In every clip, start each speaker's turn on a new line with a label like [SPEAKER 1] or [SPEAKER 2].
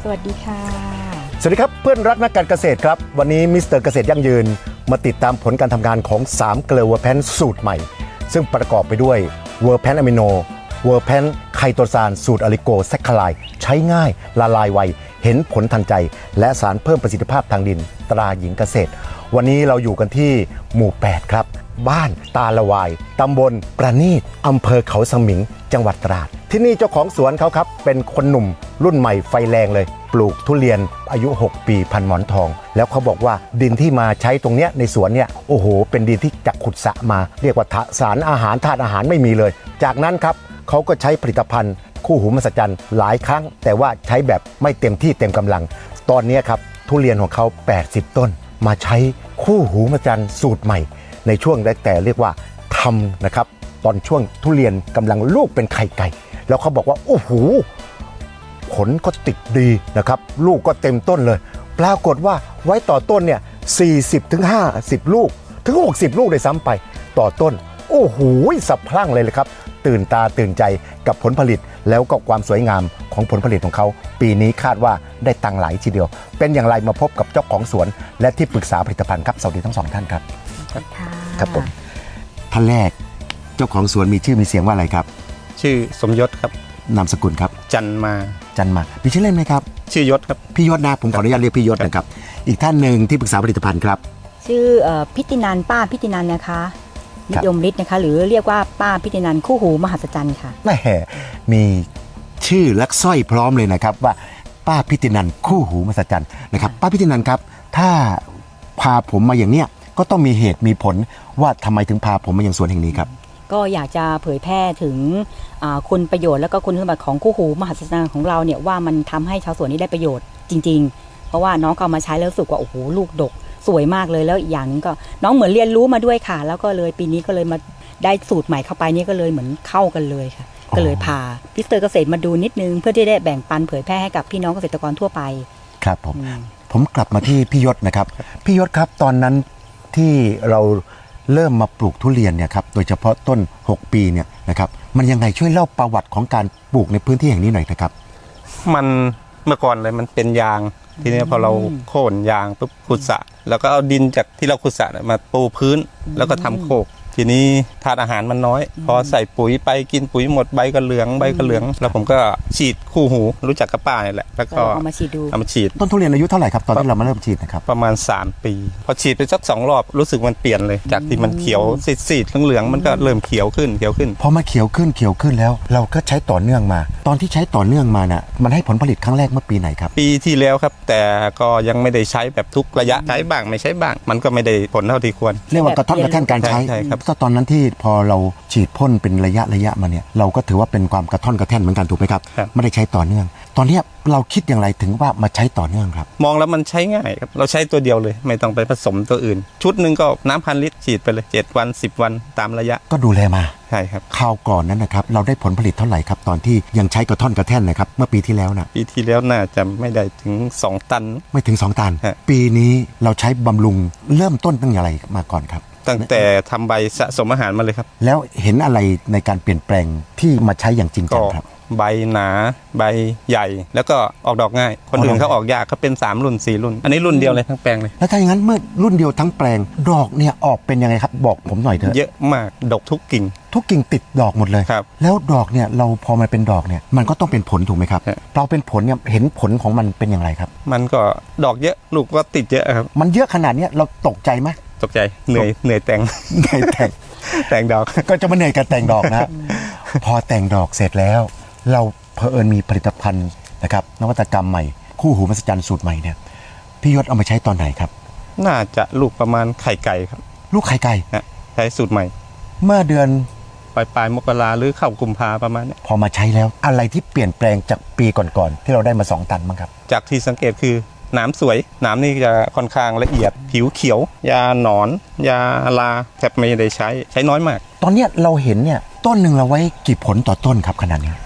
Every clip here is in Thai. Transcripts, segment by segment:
[SPEAKER 1] สวัสดีค่ะ
[SPEAKER 2] สวัสดีครับเพื่อนรักนักการเกษตรครับวันนี้มิสเตอร์เกษตรยั่งยืนมาติดตามผลการทำงานของ3เกลือเวอร์แพนสูตรใหม่ซึ่งประกอบไปด้วยเวอร์แพนอะมิโนเวอร์แพนไคโตซานสูตรอะลิโกแซคคาไลใช้ง่ายละลายไวเห็นผลทันใจและสารเพิ่มประสิทธิภาพทางดินตราหญิงเกษตรวันนี้เราอยู่กันที่หมู่8ครับบ้านตาละวายตำบลประณีตอำเภอเขาสมิงจังหวัดตราดที่นี่เจ้าของสวนเขาครับเป็นคนหนุ่มรุ่นใหม่ไฟแรงเลยปลูกทุเรียนอายุ6ปีพันหมอนทองแล้วเขาบอกว่าดินที่มาใช้ตรงเนี้ยในสวนเนี่ยโอ้โหเป็นดินที่จากขุดสระมาเรียกว่าสารอาหารธาตุอาหารไม่มีเลยจากนั้นครับเขาก็ใช้ผลิตภัณฑ์คู่หูมหัศจรรย์หลายครั้งแต่ว่าใช้แบบไม่เต็มที่เต็มกำลังตอนนี้ครับทุเรียนของเขา80ต้นมาใช้คู่หูมหัศจรรย์สูตรใหม่ในช่วงแรกแต่เรียกว่าทำนะครับตอนช่วงทุเรียนกำลังลูกเป็นไข่ไก่แล้วเขาบอกว่าโอ้โหผลก็ติดดีนะครับลูกก็เต็มต้นเลยปรากฏว่าไว้ต่อต้นเนี่ย40ถึง50ลูกถึง60ลูกเลยซ้ำไปต่อต้นโอ้โหสะพรั่งเลยครับตื่นตาตื่นใจกับผลผลิตแล้วก็ความสวยงามของผลผลิตของเขาปีนี้คาดว่าได้ตังค์หลายทีเดียวเป็นอย่างไรมาพบกับเจ้าของสวนและที่ปรึกษาผลิตภัณฑ์ครับสวัสดีทั้งสองท่านครับครับผมท่านแรกเจ้าของสวนมีชื่อมีเสียงว่าอะไรครับ
[SPEAKER 3] ชื่อสมยศครับ
[SPEAKER 2] นามสกุลครับ
[SPEAKER 3] จันมา
[SPEAKER 2] มีชื่อเล่นไหมครับ
[SPEAKER 3] ชื่อยศครับ
[SPEAKER 2] พี่ยศนะผมขออนุญาตเรียกพี่ยศนะครับอีกท่านหนึ่งที่ปรึกษาผลิตภัณฑ์ครับ
[SPEAKER 1] ชื่อพิตินันป้าพิตินันนะคะนิยมฤทธิ์นะคะหรือเรียกว่าป้าพิตินันคู่หูมหัศจรรย์ค่ะ
[SPEAKER 2] แม่มีชื่อและสร้อยพร้อมเลยนะครับว่าป้าพิตินันคู่หูมหัศจรรย์นะครับป้าพิตินันครับถ้าพาผมมาอย่างเนี้ยก็ต้องมีเหตุมีผลว่าทำไมถึงพาผมมาอย่างสวนแห่งนี้ครับ
[SPEAKER 1] ก็อยากจะเผยแพร่ถึงคุณประโยชน์แล้วก็คุณสมบัติของคู่หูมหัศจรรย์ของเราเนี่ยว่ามันทำให้ชาวสวนนี้ได้ประโยชน์จริงๆเพราะว่าน้องก็เอามาใช้แล้วรู้สึกว่าโอ้โหลูกดกสวยมากเลยแล้วอีกอย่างนึงก็น้องเหมือนเรียนรู้มาด้วยค่ะแล้วก็เลยปีนี้ก็เลยมาได้สูตรใหม่เข้าไปนี่ก็เลยเหมือนเข้ากันเลยค่ะก็เลยพามิสเตอร์เกษตรมาดูนิดนึงเพื่อที่ได้แบ่งปันเผยแพร่ให้กับพี่น้องเกษตรกรทั่วไป
[SPEAKER 2] ครับผมกลับมาที่พี่ยศนะครับพี่ยศครับตอนนั้นที่เราเริ่มมาปลูกทุเรียนเนี่ยครับโดยเฉพาะต้น6ปีเนี่ยนะครับมันยังไงช่วยเล่าประวัติของการปลูกในพื้นที่แห่งนี้หน่อยนะครับ
[SPEAKER 3] มันเมื่อก่อนเลยมันเป็นยางทีนี้พอเราโค่นยางปุ๊บขุดสระแล้วก็เอาดินจากที่เราขุดสระมาปูพื้นแล้วก็ทำโคกทีนี้ธาตุอาหารมันน้อยพอใส่ปุ๋ยไปกินปุ๋ยหมดใบก็เหลืองแล้วผมก็ฉีดคู่หูรู้จักกับป้าเนี่ยแหละแล้วก็
[SPEAKER 1] เอามาฉีด
[SPEAKER 2] ต้นทุเรียนอายุเท่าไหร่ครับตอนที่เรามาเริ่มฉีดนะครับ
[SPEAKER 3] ประมาณ3ปีพอฉีดไปสัก2รอบรู้สึกมันเปลี่ยนเลยจากที่มันเขียวซีดเหลืองมันก็เริ่มเขียวขึ้น
[SPEAKER 2] พอมาเขียวขึ้นแล้วเราก็ใช้ต่อเนื่องมาตอนที่ใช้ต่อเนื่องมาน่ะมันให้ผลผลิตครั้งแรกเมื่อปีไหนครับ
[SPEAKER 3] ปีที่แล้วครับแต่ก็ยังไม่ได้ใช้แบบทุกระยะใช้บ้างไม่ใช้บ้างมันก็ไม่ได้ผลเท่าที่ควร
[SPEAKER 2] เรียกว่ากระท่อนกระแท่นการใช้ตอนนั้นที่พอเราฉีดพ่นเป็นระยะมาเนี่ยเราก็ถือว่าเป็นความกระท่อนกระแท่นเหมือนกันถูกไหมครับไม่ได้ใช้ต่อเนื่องตอนนี้เราคิดอย่างไรถึงว่ามาใช้ต่อเนื่องครับ
[SPEAKER 3] มองแล้วมันใช้ง่ายครับเราใช้ตัวเดียวเลยไม่ต้องไปผสมตัวอื่นชุดหนึ่งก็น้ำ1,000 ลิตรฉีดไปเลย7วัน10วันตามระยะ
[SPEAKER 2] ก็ดูแลมา
[SPEAKER 3] ใช่ครับ
[SPEAKER 2] คราวก่อนนั้นนะครับเราได้ผลผลิตเท่าไหร่ครับตอนที่ยังใช้กระท่อนกระแท่นนะครับเมื่อปีที่แล้วนะ
[SPEAKER 3] ปีที่แล้วน่าจะไม่ได้ถึง2 ตัน
[SPEAKER 2] ไม่ถึง2 ตันปีนี้เราใช้บำรุงเริ่มต้นตั้งอย่างไรมาก่อนครับ
[SPEAKER 3] ตั้งแต่ทำใบสะสมอาหารมาเลยครับ
[SPEAKER 2] แล้วเห็นอะไรในการเปลี่ยนแปลงที่มาใช้อย่างจริงจังครับ
[SPEAKER 3] ใบหนาใบใหญ่แล้วก็ออกดอกง่ายคนอื่นเขาออกยากเขาเป็น3รุ่น4รุ่นอันนี้รุ่นเดียวเลยทั้งแปลงเลย
[SPEAKER 2] แล้วถ้าอย่างนั้นเมื่อรุ่นเดียวทั้งแปลงดอกเนี่ยออกเป็นยังไงครับบอกผมหน่อยเถอะ
[SPEAKER 3] เยอะมากดกทุกกิ่ง
[SPEAKER 2] ติดดอกหมดเลย
[SPEAKER 3] ครับ
[SPEAKER 2] แล้วดอกเนี่ยเราพอมันเป็นดอกเนี่ยมันก็ต้องเป็นผลถูกไหมครับเราเป็นผลเนี่ยเห็นผลของมันเป็นอย่างไรครับ
[SPEAKER 3] มันก็ดอกเยอะลูกก็ติดเยอะครับ
[SPEAKER 2] มันเยอะขนาดนี้เราตกใจไหม
[SPEAKER 3] ตกใจเหนื่อยแต่งดอก
[SPEAKER 2] ก็จะมาเหนื่อยกับแต่งดอกนะพอแต่งดอกเสร็จแล้วเราเผอิญมีผลิตภัณฑ์นะครับนวัตกรรมใหม่คู่หูมหัศจรรย์สูตรใหม่เนี่ยพี่ยศเอามาใช้ตอนไหนครับ
[SPEAKER 3] น่าจะลูกประมาณไข่ไก่ครับ
[SPEAKER 2] ลูกไข่ไก่
[SPEAKER 3] ใช้สูตรใหม่
[SPEAKER 2] เมื่อเดือน
[SPEAKER 3] ปลายมกราหรือเข้ากุมภาประมาณนี้
[SPEAKER 2] พอมาใช้แล้วอะไรที่เปลี่ยนแปลงจากปีก่อนๆที่เราได้มา2 ตันบ้างครับ
[SPEAKER 3] จากที่สังเกตคือหนามสวยหนามนี่จะค่อนข้างละเอียดผิวเขียวยาหนอนยาลาแทบไม่ได้ใช้น้อยมาก
[SPEAKER 2] ตอนนี้เราเห็นเนี่ยต้นหนึ่งเราไว้กี่ผลต่อต้นครับขนาดนี้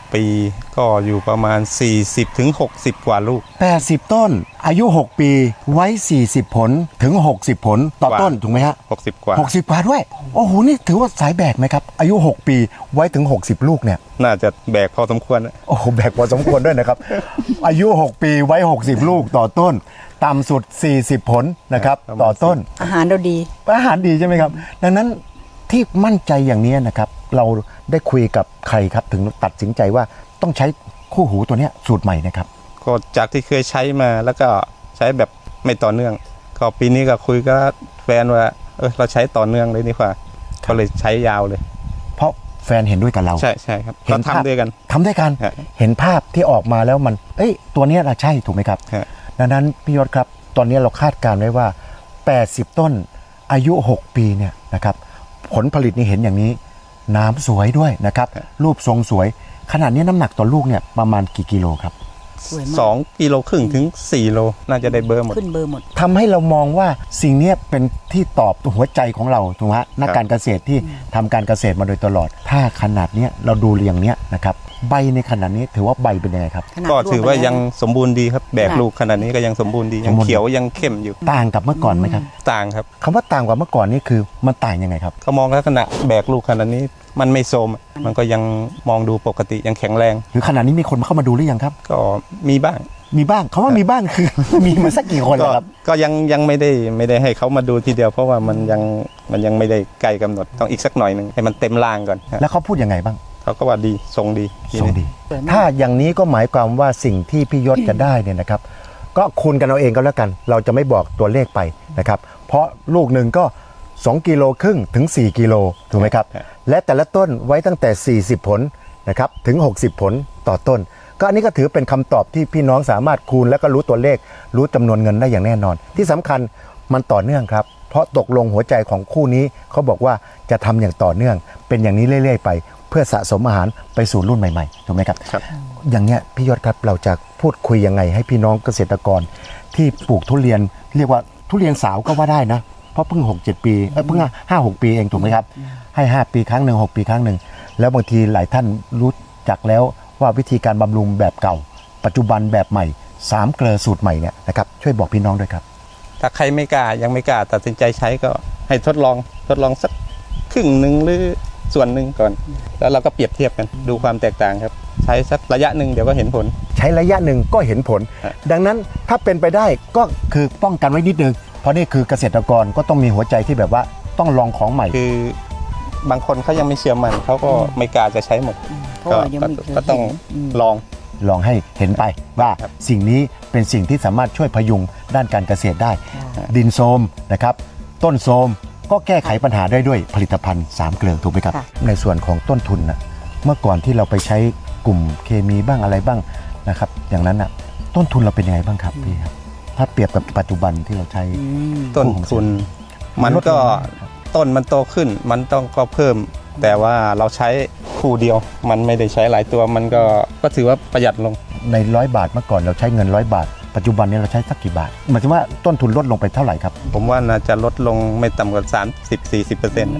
[SPEAKER 3] ปีก็อยู่ประมาณ 40-60 กว่าลูก
[SPEAKER 2] 80 ต้นอายุ 6 ปีไว้ 40 ผลถึง 60 ผลต่อต้นถูกไหมฮะ
[SPEAKER 3] 60 กว่า
[SPEAKER 2] 60 กว่าด้วย โอ้โห นี่ถือว่าสายแบกไหมครับ อายุ 6 ปีไว้ถึง 60 ลูกเนี่ย
[SPEAKER 3] น่าจะแบกพอสมควรนะ
[SPEAKER 2] โอ้โห แบกพอสมควรด้วยนะครับ อายุ 6 ปีไว้ 60 ลูกต่อต้น ต่ำสุด 40 ผลนะครับ ต่อต้น
[SPEAKER 1] อาหารเราดี
[SPEAKER 2] อาหารดีใช่ไหมครับ ดังนั้นที่มั่นใจอย่างนี้นะครับ เราได้คุยกับใครครับ ถึงตัดสินใจว่าต้องใช้คู่หูตัวเนี้ยสูตรใหม่นะครับ
[SPEAKER 3] ก็จากที่เคยใช้มาแล้วก็ใช้แบบไม่ต่อเนื่อง ก็ปีนี้ก็คุยกับแฟนว่าเราใช้ต่อเนื่องเลยดีกว่าก็เลยใช้ยาวเลย
[SPEAKER 2] เพราะแฟนเห็นด้วยกับเรา
[SPEAKER 3] ใช่ครับ
[SPEAKER 2] เห็
[SPEAKER 3] ก็
[SPEAKER 2] นภาพ
[SPEAKER 3] ทำด้วยกัน
[SPEAKER 2] ทำด้วยกัน
[SPEAKER 3] ฮะ
[SPEAKER 2] เห็นภาพที่ออกมาแล้วมัน ตัวเนี้ยเราใช่ถูกไหมครับ
[SPEAKER 3] ฮะ
[SPEAKER 2] ดังนั้นพี่ยศครับ ตอนนี้เราคาดการณ์ไว้ว่า 80 ต้นอายุ 6 ปีเนี่ยนะครับ ผลผลิตนี่เห็นอย่างนี้ น้ำสวยด้วยนะครับ รูปทรงสวย ขนาดนี้น้ำหนักต่อลูกเนี่ยประมาณกี่กิโลครับ
[SPEAKER 1] สวยมาก
[SPEAKER 3] 2.5 กิโลถึง 4 โลน่าจะได้เบอร์หมด
[SPEAKER 1] ขึ้นเบอร์หมด
[SPEAKER 2] ทำให้เรามองว่าสิ่งเนี้ยเป็นที่ตอบหัวใจของเราถูกไหมฮะนักการเกษตรที่ทำการเกษตรมาโดยตลอด ถ้าขนาดเนี้ยเราดูเรียงเนี้ยนะครับใบในขนาดนี้ถือว่าใบเป็นยังไงครับ
[SPEAKER 1] ขนาด
[SPEAKER 3] ก็ถือว่า
[SPEAKER 1] ร่ไปแล้
[SPEAKER 3] ยังสมบูรณ์ดีครับแบกลูกขนาดนี้ก็ยังสมบูรณ์ดียังเขียวยังเข้มอยู่
[SPEAKER 2] ต่างกับเมื่อก่อนไหมครับ
[SPEAKER 3] ต่างครับ
[SPEAKER 2] คำว่าต่างกว่าเมื่อก่อนนี่คือมันต่างยังไงครับ
[SPEAKER 3] เขามองลักษณะแบกลูกขนาดนี้มันไม่โทรมมันก็ยังมองดูปกติยังแข็งแรง
[SPEAKER 2] หรือขนาดนี้มีคนเข้ามาดูหรือยังครับ
[SPEAKER 3] ก็มีบ้าง
[SPEAKER 2] มีบ้างคำว่ามีบ้างคือ มีมาสักกี่คนแล้วครับ
[SPEAKER 3] ก็ยังไม่ได้ให้เขามาดูทีเดียว เพราะว่ามันยังไม่ได้ใกล้กำหนดต้องอีกสักหน่อยหนึ่งให้มันเต็มร่างก่อนฮะ
[SPEAKER 2] แล้วเขาพูดยังไงบ้าง
[SPEAKER 3] เขาก็ว่าดีทรงดีที
[SPEAKER 2] ทรง
[SPEAKER 3] นี้
[SPEAKER 2] ดี ถ้าอย่างนี้ก็หมายความว่าสิ่งที่พี่ยศจะได้เนี่ยนะครับ ก็คูณกันเอาเองก็แล้วกัน เราจะไม่บอกตัวเลขไปนะครับ เพราะลูกหนึ่งก็2.5 กิโลถึง 4 กิโลถูกไหมครับ และแต่ละต้นไว้ตั้งแต่ 40 ผลนะครับถึง 60 ผลต่อต้น ก็อันนี้ก็ถือเป็นคำตอบที่พี่น้องสามารถคูณแล้วก็รู้ตัวเลข รู้จำนวนเงินได้อย่างแน่นอน ที่สำคัญมันต่อเนื่องครับ เพราะตกลงหัวใจของคู่นี้เขาบอกว่าจะทำอย่างต่อเนื่อง เป็นอย่างนี้เรื่อยๆไป เพื่อสะสมอาหารไปสู่รุ่นใหม่ๆถูกไหมครับ
[SPEAKER 3] ครับ
[SPEAKER 2] อย่างเนี้ยพี่ยศครับเราจะพูดคุยยังไงให้พี่น้องเกษตรกรที่ปลูกทุเรียนเรียกว่าทุเรียนสาวก็ว่าได้นะเพราะเพิ่ง 6-7 ปีเพิ่ง 5-6 ปีเองถูกไหมครับให้ 5 ปีครั้งหนึ่ง6 ปีครั้งหนึ่งแล้วบางทีหลายท่านรู้จักแล้วว่าวิธีการบำรุงแบบเก่า ปัจจุบันแบบใหม่3 เกลือสูตรใหม่เนี่ยนะครับช่วยบอกพี่น้องด้วยครับ
[SPEAKER 3] ถ้าใครไม่กล้ายังไม่กล้าตัดสินใจใช้ก็ให้ทดลองสักครึ่งหนึ่งหรือส่วนหนึ่งก่อน แล้วเราก็เปรียบเทียบกันดูความแตกต่างครับ ใช้สักระยะหนึ่งเดี๋ยวก็เห็นผล
[SPEAKER 2] ใช้ระยะหนึ่งก็เห็นผล
[SPEAKER 3] ครับ
[SPEAKER 2] ดังนั้นถ้าเป็นไปได้ก็คือป้องกันไว้นิดนึงเพราะนี่คือเกษตรกรก็ต้องมีหัวใจที่แบบว่าต้องลองของใหม่
[SPEAKER 3] คือบางคนเขายังไม่เชื่อมันเขาก็ไม่กล้าจะใช้หมด
[SPEAKER 1] เพราะว่ายังไม่เคย
[SPEAKER 3] ก็ต้อง
[SPEAKER 1] เห็น
[SPEAKER 3] ลอง
[SPEAKER 2] ลองให้เห็นไปว่า
[SPEAKER 3] ครับ
[SPEAKER 2] สิ่งนี้เป็นสิ่งที่สามารถช่วยพยุงด้านการเกษตรได้
[SPEAKER 1] ค่ะ
[SPEAKER 2] ดินโทรมนะครับต้นโทรมก็แก้ไขปัญหาได้ด้วยผลิตภัณฑ์3 เกลือถูกไหมครับ
[SPEAKER 1] ค่ะ
[SPEAKER 2] ในส่วนของต้นทุนนะเมื่อก่อนที่เราไปใช้กลุ่มเคมีบ้างอะไรบ้างนะครับอย่างนั้นนะต้นทุนเราเป็นยังไงบ้างครับพี่ครับถ้าเปรียบกับปัจจุบันที่เราใช้
[SPEAKER 3] ต้นทุนมันก็ต้นมันโตขึ้นมันต้องก็เพิ่ม แต่ว่าเราใช้คู่เดียว มันไม่ได้ใช้หลายตัวมันก็ถือว่าประหยัดลง
[SPEAKER 2] ใน100 บาทเมื่อก่อนเราใช้เงิน100 บาท ปัจจุบันนี้เราใช้สักกี่บาทหมายถึงว่าต้นทุนลดลงไปเท่าไหร่ครับ
[SPEAKER 3] ผมว่าน่าจะลดลงไม่ต่ำกว่า 30-40%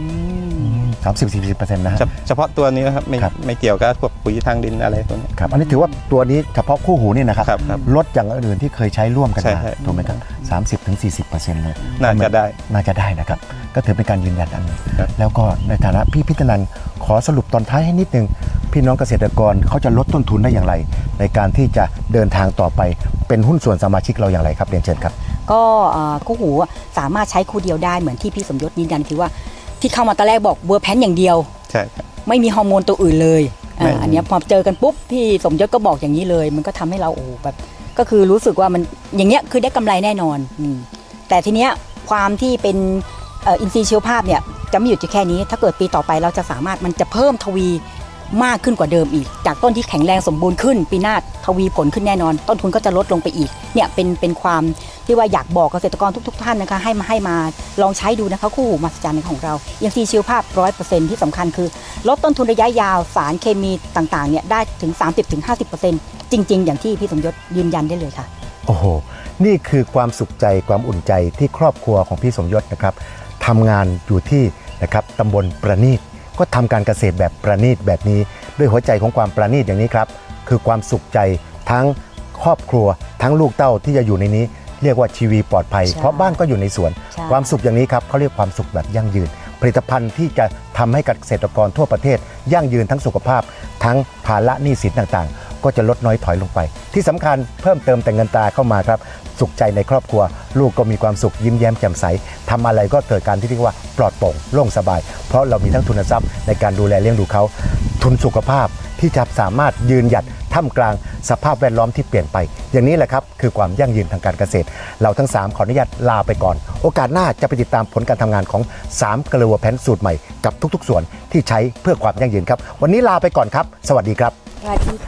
[SPEAKER 2] 30-40%นะฮะ
[SPEAKER 3] เฉพาะตัวนี้นะครับ
[SPEAKER 2] ครับ
[SPEAKER 3] ไม่เกี่ยวกับพวกปุ๋ยทางดินอะไรพวกนี้
[SPEAKER 2] ครับอันนี้ถือว่าตัวนี้เฉพาะคู่หูนี่นะครับ
[SPEAKER 3] ครับ
[SPEAKER 2] ลดอย่างอื่นที่เคยใช้ร่วมกัน
[SPEAKER 3] ใช่
[SPEAKER 2] มา
[SPEAKER 3] ใช่
[SPEAKER 2] ถูกไหมครับ30-40%เลย
[SPEAKER 3] น่าจะได้
[SPEAKER 2] น่าจะได้นะครับ ก็ถือเป็นการยืนยันอันหนึง
[SPEAKER 3] ครับ
[SPEAKER 2] แล้วก็ในฐานะพี่พิจนันขอสรุปตอนท้ายให้นิดนึง พี่น้องเกษตรกรเขาจะลดต้นทุนได้อย่างไร ในการที่จะเดินทางต่อไปเป็นหุ้นส่วนสมาชิกเราอย่างไรครับเรียนเชิญครับ
[SPEAKER 1] ก็คู่หูสามารถใช้คู่เดียวได้เหมือนที่พี่สมยศยืนยันคือว่าที่เข้ามาตอนแรกบอกเวอร์แพนอย่างเดียว
[SPEAKER 3] ใช่ครับ
[SPEAKER 1] ไม่มีฮอร์โมนตัวอื่นเลย
[SPEAKER 3] ไม่
[SPEAKER 1] อันเนี้ยพอเจอกันปุ๊บพี่สมยศก็บอกอย่างนี้เลย มันก็ทำให้เราโอ้โหแบบก็คือรู้สึกว่ามันอย่างเงี้ยคือได้กำไรแน่นอนแต่ทีเนี้ยความที่เป็นอินทรีย์ชีวภาพเนี่ยจะไม่หยุดอยู่แค่นี้ ถ้าเกิดปีต่อไปเราจะสามารถมันจะเพิ่มทวีมากขึ้นกว่าเดิมอีก จากต้นที่แข็งแรงสมบูรณ์ขึ้น ปีหน้าทวีผลขึ้นแน่นอน ต้นทุนก็จะลดลงไปอีกเนี่ยเป็นความที่ว่าอยากบอกเกษตรกรทุกท่านนะคะให้มาลองใช้ดูนะคะคู่หูมหัศจรรย์ของเราอินทรีย์ชีวภาพ 100% ที่สำคัญคือลดต้นทุนระยะยาวสารเคมีต่างๆเนี่ยได้ถึง 30-50% จริง ๆ อย่างที่พี่สมยศยืนยันได้เลยค่ะ
[SPEAKER 2] โอ้โห นี่คือความสุขใจความอุ่นใจที่ครอบครัวของพี่สมยศนะครับทำงานอยู่ที่นะครับตำบลประณีตก็ทำการเกษตรแบบประณีตแบบนี้ด้วยหัวใจของความประณีตอย่างนี้ครับคือความสุขใจทั้งครอบครัวทั้งลูกเต้าที่จะอยู่ในนี้เรียกว่าชีวีปลอดภัย
[SPEAKER 1] ใช่
[SPEAKER 2] เพราะบ้านก็อยู่ในสวน
[SPEAKER 1] ใช่
[SPEAKER 2] ความสุขอย่างนี้ครับเขาเรียกความสุขแบบยั่งยืน ผลิตภัณฑ์ที่จะทำให้เกษตรกรทั่วประเทศยั่งยืนทั้งสุขภาพ ทั้งภาระหนี้สินต่างๆ ก็จะลดน้อยถอยลงไป ที่สำคัญเพิ่มเติมแต่เงินตราเข้ามาครับสุขใจในครอบครัว ลูกก็มีความสุขยิ้มแย้มแจ่มใสทำอะไรก็เกิดการที่เรียกว่าปลอดโปร่งโล่งสบาย เพราะเรามีทั้งทุนทรัพย์ในการดูแลเลี้ยงดูเขาทุนสุขภาพที่จะสามารถยืนหยัดท่ามกลางสภาพแวดล้อมที่เปลี่ยนไป อย่างนี้แหละครับคือความยั่งยืนทางการเกษตร เราทั้ง3ขออนุญาตลาไปก่อน โอกาสหน้าจะไปติดตามผลการทำงานของ3เกลือแพนสูตรใหม่กับทุกๆส่วนที่ใช้เพื่อความยั่งยืนครับวันนี้ลาไปก่อนครับสวัสดีครับ
[SPEAKER 1] สวัสดีค่ะ